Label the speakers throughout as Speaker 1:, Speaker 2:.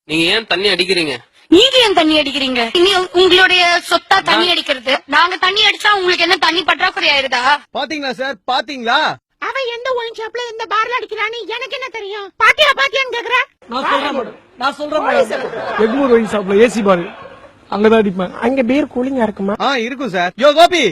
Speaker 1: நீங்க ஏன் தண்ணி அடிக்கிறீங்க?
Speaker 2: நீங்க ஏன் தண்ணி அடிக்கிறீங்க? உங்களுடைய சொத்தா தண்ணி அடிக்கிறது. நாங்க தண்ணி அடிச்சா உங்களுக்கு என்ன தண்ணி பற்றாக்குறை ஆயிருதா?
Speaker 3: பாத்தீங்களா சார், பாத்தீங்களா?
Speaker 4: அவன் எந்த ஒயின் ஷாப்ல எந்த பார்ல அடிக்கிறான்னு எனக்கு என்ன தெரியும்? பாத்தியான்னு கேக்குற?
Speaker 5: நான் சொல்றேன் எக்மூர் ஒயின் ஷாப்ல ஏசி பாரு, அங்கதான் அடிப்பேன்.
Speaker 4: அங்க பீர் கூலிங்கா இருக்குமா?
Speaker 3: இருக்கும் சார். யோ கோபி,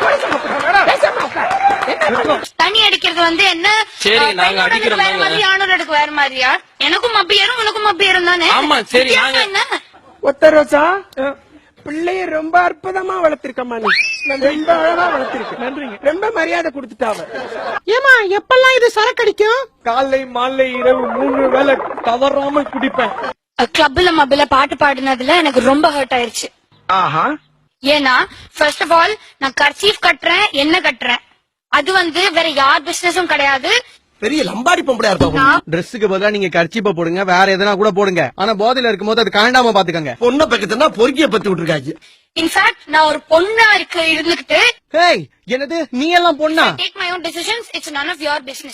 Speaker 2: தண்ணி அடிக்கிறது என்ன?
Speaker 1: சரி, நாங்க அடிக்கிறோம்.
Speaker 2: வேற மாதிரி, ஆணோருக்கு வேற மாதிரியா? எனக்கும் மப்பி ஏறும் உனக்கும் மப்பி ஏறும் தானே?
Speaker 1: ஆமா, சரி. நாங்க
Speaker 2: என்ன
Speaker 4: ஒத்த ரோசா பிள்ளைய ரொம்ப அற்புதமா வளர்த்திருக்கமா, நீ ரொம்ப அழகா வளர்த்திருக்க. நன்றிங்க. ரொம்ப மரியாதை கொடுத்துட்டாவ. ஏமா எப்பெல்லாம் இது சரக்கடிக்கும்?
Speaker 5: காலை மாலை இரவு 3 வேளை தவறாம குடிப்பேன்.
Speaker 2: கிளப்ல மப்பில பாட்டு பாடினதுல எனக்கு ரொம்ப ஹர்ட் ஆயிருச்சு. ஏன்னா ஃபர்ஸ்ட் ஆஃப் ஆல் நான் கர்ச்சீஃப் கட்டுறேன், என்ன கட்டுறேன், அது வேற யார் பிசினஸும் கிடையாது.
Speaker 6: பெரிய லம்பாடி பொம்பளையா இருப்பா.
Speaker 3: ட்ரெஸ்ஸுக்கு பதிலா நீங்க கர்ச்சீப்ப போடுங்க, வேற எதனா கூட போடுங்க. ஆனா போதையில இருக்கும்போது அது காண்டாம பாத்துக்கங்க.
Speaker 6: பொண்ணை பக்கத்துனா பொறுக்கிய பத்தி விட்டுருக்காங்க.
Speaker 2: இன்ஃபேக்ட் நான் ஒரு பொண்ணா இருந்துகிட்டு
Speaker 3: ஹேய், என்னது நீ எல்லாம் பொண்ணா?
Speaker 2: Take my own decisions, it's none of your business.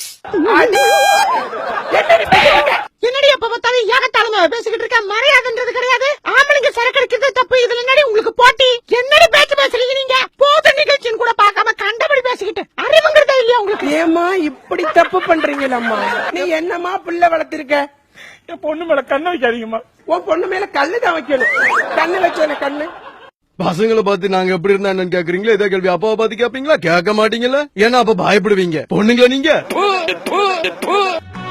Speaker 4: என்னடி அப்ப பார்த்தாலும் ஏகத்தாளமா பேசிக்கிட்டு இருக்க? மரியாதைன்றது கிடையாது. ஆம்பளைங்க சரக்கு அடிக்கிறது தப்பு, இதுல என்னடி உங்களுக்கு போட்டி? என்னடி பேச்சு பேசுறீங்க நீங்க? போத நிகழ்ச்சின்னு கூட பார்க்காம கண்டபடி பேசிக்கிட்டு அறிவுங்கிறதே இல்லையா உங்களுக்கு? ஏமா இப்படி தப்பு பண்றீங்களம்மா? நீ என்னமா பிள்ளை வளர்த்திருக்க?
Speaker 5: என் பொண்ணு மேல கண்ணு வைக்காதீங்கம்மா.
Speaker 4: உன் பொண்ணு மேல கல்லு தான் வைக்கணும். கண்ணு வச்சேன கண்ணு.
Speaker 3: பசங்களை பார்த்து நாங்க எப்படி இருந்தா என்னன்னு கேக்குறீங்களா? இதே கேள்வி அப்பாவை பார்த்து கேப்பீங்களா? கேட்க மாட்டீங்களா? ஏன்னா அப்ப பயப்படுவீங்க. பொண்ணுங்களா நீங்க?